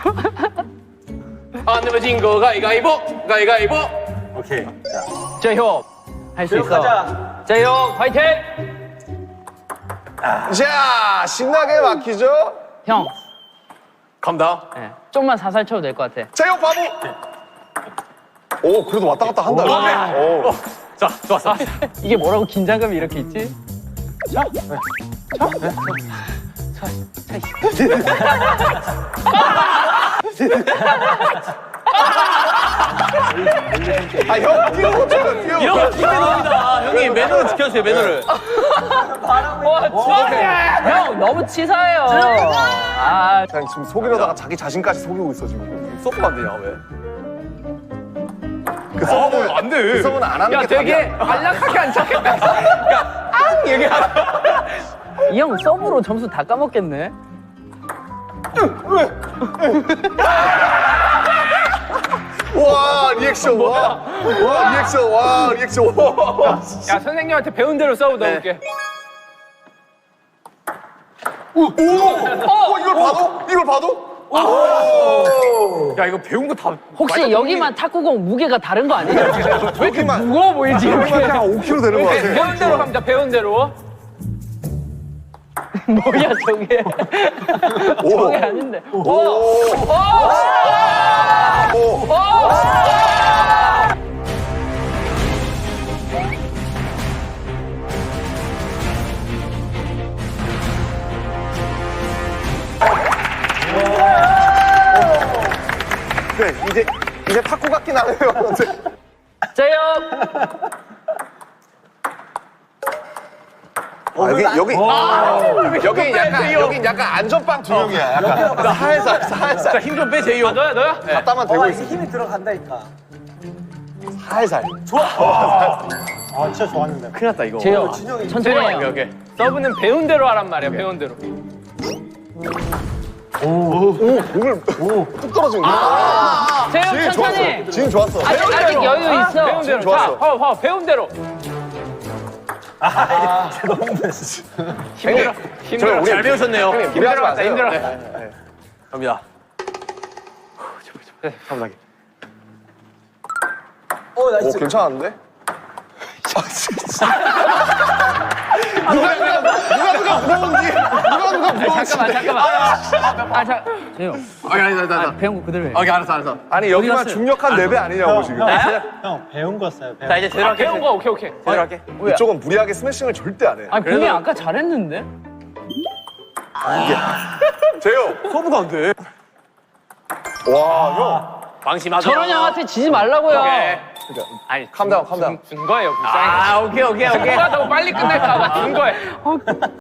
안 내면 진 거 가위가위보. 가위가위보. 오케이. 재혁 할 수 있어. 가자. 재혁 화이팅! 자, 신나게 막히죠? 형, 감다. 네, 좀만 살살 쳐도 될 것 같아. 제육 바보. 오, 그래도 왔다 갔다 한다. 오. 자, 좋았어. 이게 뭐라고 긴장감이 이렇게 있지? 아, 형, 뛰어, 뛰어. 이런 거 팀매너입니다. 형님, 매너를 지켜주세요, 매너를. 형 너무 치사해요. 아, 그냥 지금 속이려다가 자기 자신까지 속이고 있어, 지금. 서브가 안 되냐, 왜? 그 서브는 안 돼. 그 서브는 안 하는 야 게 되게 답이야. 안락하게 앉았겠다. 이 형 서브로 점수 다 까먹겠네. 와, 리액션, 와. 와, 리액션, 와, 리액션. 와. 야 선생님한테 배운 대로 서브 넣을게. 오, 이걸 봐도? 이걸 봐도? 야, 이거 배운 거 다. 혹시 여기만 탁구공 무게가 다른 거 아니에요? 왜 이렇게 무거워 보이지 여기만 이렇게. 그냥 5kg 되는 거 같아. 배운 대로 갑니다. 배운 대로. 뭐야 저게? 저게 아닌데. 그래, 이제 탁구 같긴 하네요. 재혁. 여긴 약간 안전빵 두 명이야. 약간 살살. 힘 좀 빼, 제이요. 너야 너야? 갖다만 대고 있어. 힘이 들어간다니까. 살살. 아, 진짜 좋았는데. 큰일 났다, 이거. 재혁 진영이 천천히 해요. 오케이, 오케이. 서브는 배운 대로 하란 말이야. 배운 대로. 공을 뚝 떨어지는 거야. 재혁 천천히. 지금 좋았어. 아직 여유 있어. 배운 대로. 좋았어. 자, 배운 대로. 힘들어. 힘들어. 잘 배우셨네요. 무리하지 마세요. 힘들어. 갑니다. 가보자기. 오, 나이스. 오, 괜찮은데? 누가 부러운지. 잠깐만. 재혁. 아니, 배운 거 그대로 해. 오케이, 알았어. 아니, 여기만 중력한 랩이 아니냐고, 지금. 형, 배운 거 써요. 배운 자, 이제 제대로 할게. 배운 거 오케이. 제대로 할게. 이쪽은 무리하게 스매싱을 절대 안 해. 아니 분명히 아까 잘했는데. 재요. 서브가 안 돼. 와, 형. 방심하자. 저런 형한테 지지 말라고요. 오케이. 아니, 캄다운, 캄다운. 준 거예요, 불쌍히. 아, 오케이. 누가 더 빨리 끝낼까 봐 준 거예요.